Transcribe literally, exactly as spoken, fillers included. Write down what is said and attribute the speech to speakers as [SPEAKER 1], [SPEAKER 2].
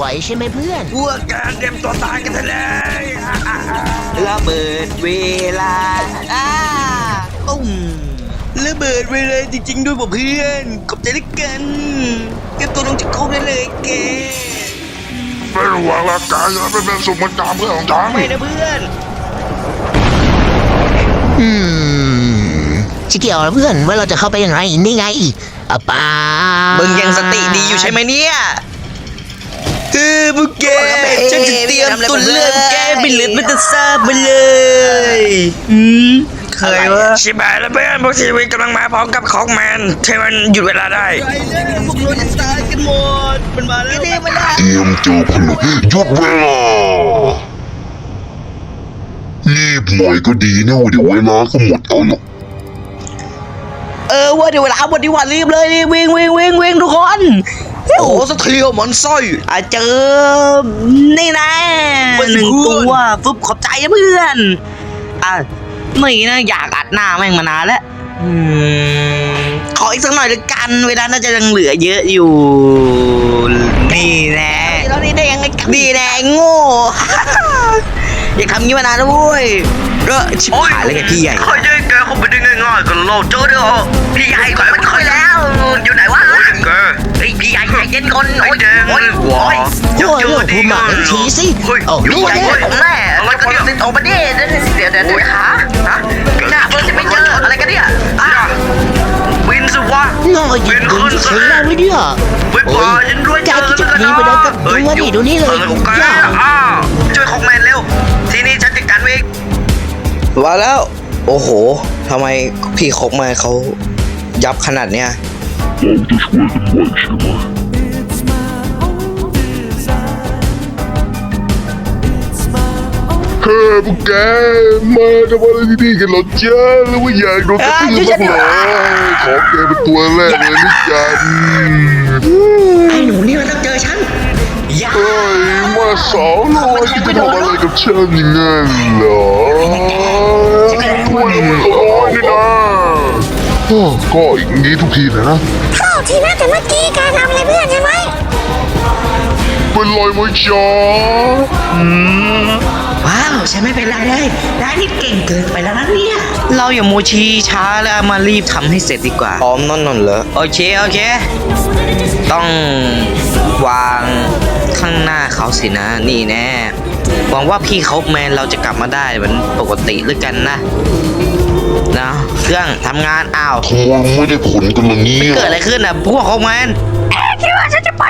[SPEAKER 1] ไหวใช่ไหมเพื่อน
[SPEAKER 2] พวกแกเตรียมตัวตายกันเลย
[SPEAKER 3] ระเบิดเวลาอ้าตุ้มระเบิดเวลาจริงๆด้วยเพื่อนขอบใจด้วยกันเก็บตัวลงจากคุกได้เลยแก
[SPEAKER 4] ไม่ระวังร่างกายจะไม่เป็นสมการเพื่อนของฉัน
[SPEAKER 3] ไม่นะเพื่อน
[SPEAKER 1] อืมชิเกี่ยวนะเพื่อนว่าเราจะเข้าไปยังไงนี่ไงอ่ะป้า
[SPEAKER 3] มึงยังสติดีอยู่ใช่ไหมเนี่ยเออพวกแกฉันจะเตรียมตุนเลือดแกไปเลือดมันจะซาบไปเลยอืมเคยวะ
[SPEAKER 2] ชิบหายแล้วเพื่อนพวกชีวิตกำลังมาพร้อมกับของแมนที่มันหยุดเวลาได้
[SPEAKER 3] ไปเลยพวกเราจะตายกันหมดมันมาแล้วมันมา
[SPEAKER 4] เตรียมเจอผลึกหยุดเวลารีบหน่อยก็ดีนะเดี๋ยวเวลาก็หมดเอาหรอก
[SPEAKER 3] เออว่าเดี๋ยวเวลาหมดดีกว่ารีบเลยรีบวิ่งวิ่งวิ่งวิ่งทุกคนโอ้โหสะเทียวมันสร้อยอ่ะเจอนี่นะหนึ่งตัวฟึบขอบใจนะเพื่อนอ่ะนี่นะอยากอัดหน้าแม่งมานานแล้วอืมขออีกสักหน่อยละกันเวลาน่าจะยังเหลือเยอะอยู่นี่แน่แล้วนี่ได้ยังไงนี่แน่โง่ อย่าทำงี้มานานแล้วเว้ยเออชิบหายเลยแกพี่ใหญ่
[SPEAKER 2] คอยช่วยแกเข้าไปได้ง่ายๆกันโลดเจอเด้อพี่ใหญ่ก็ไม่ค่อยแล้วอยู่ไหนวะแกไอพี่ใหญ่ใจเย็นก่อนโอ้ยแดงเลยหัว
[SPEAKER 1] โอ้ยโอ้ยพูดมาอีกทีสิโอ้
[SPEAKER 2] พี่
[SPEAKER 1] นี่
[SPEAKER 2] ใหญ่
[SPEAKER 1] ไง
[SPEAKER 2] ของแม่อะไรกันเนี่ยติดต่อมาดิเดี๋ยวเดี๋ยวเดี๋ยวหาฮะหน้าเพื่อนจะไม่เจออะไรกันเนี่ยอ่ะวินสิวะ
[SPEAKER 1] น้อยยิงยิงจะใช้ได้ไหมเนี่ย
[SPEAKER 2] ไม่พอฉันด้วย
[SPEAKER 1] แกคิดจะหนีไปได้กับตัวนี่ดูนี่เลย
[SPEAKER 2] โอเค
[SPEAKER 1] ย่า
[SPEAKER 2] อ้าวช่วยของแมนเร็วทีนี้ฉันจัดการเอง
[SPEAKER 3] มาแล้ว โอ้โหทำไมพี่คกมาเขายับขนาดเนี้ย
[SPEAKER 4] เฮ้ยพวกแกมาทำอะไรที่นี่กันเหรอจ๊ะหรือว่าอยากโดนกระทืบบ้างเหรอขอแกเป็นตัวแรกเลยนะจ๊ะ
[SPEAKER 1] ไอ้หนูนี่มันต้องเจอฉันย่า
[SPEAKER 4] เฮ้ยมาสาวน้อยที่จะทำอะไรกับฉันอย่างนั้นเหรอคุยร้อยนี่นะก็อย่างนี้ทุกทีเลยนะ
[SPEAKER 5] เข้าทีนะแต่เมื่อกี้การทำอะไรเพื่อนใช่ไหม
[SPEAKER 4] เป็นรอยมวยจ้า
[SPEAKER 1] ว้าวฉันไม่เป็นไรเลยได้นี่เก่งเกินไปแล้วนะเนี่ย
[SPEAKER 3] เราอย่าโมชีช้าแล้วมารีบทำให้เสร็จดีกว่าพร้อมนอนนอนเหรอโอเคโอเค ต้องวางข้างหน้าเขาสินะนี่แน่หวังว่าพี่เขาแมนเราจะกลับมาได้เหมือนปกติหรือกันนะนะเครื่องทำงานอ้าว
[SPEAKER 4] ทวงไม่ได้ผลกันเลยเนี่ย
[SPEAKER 3] เกิดอะไรขึ้นอ่ะพวกเขาแมน
[SPEAKER 5] คิดว่าฉันจะ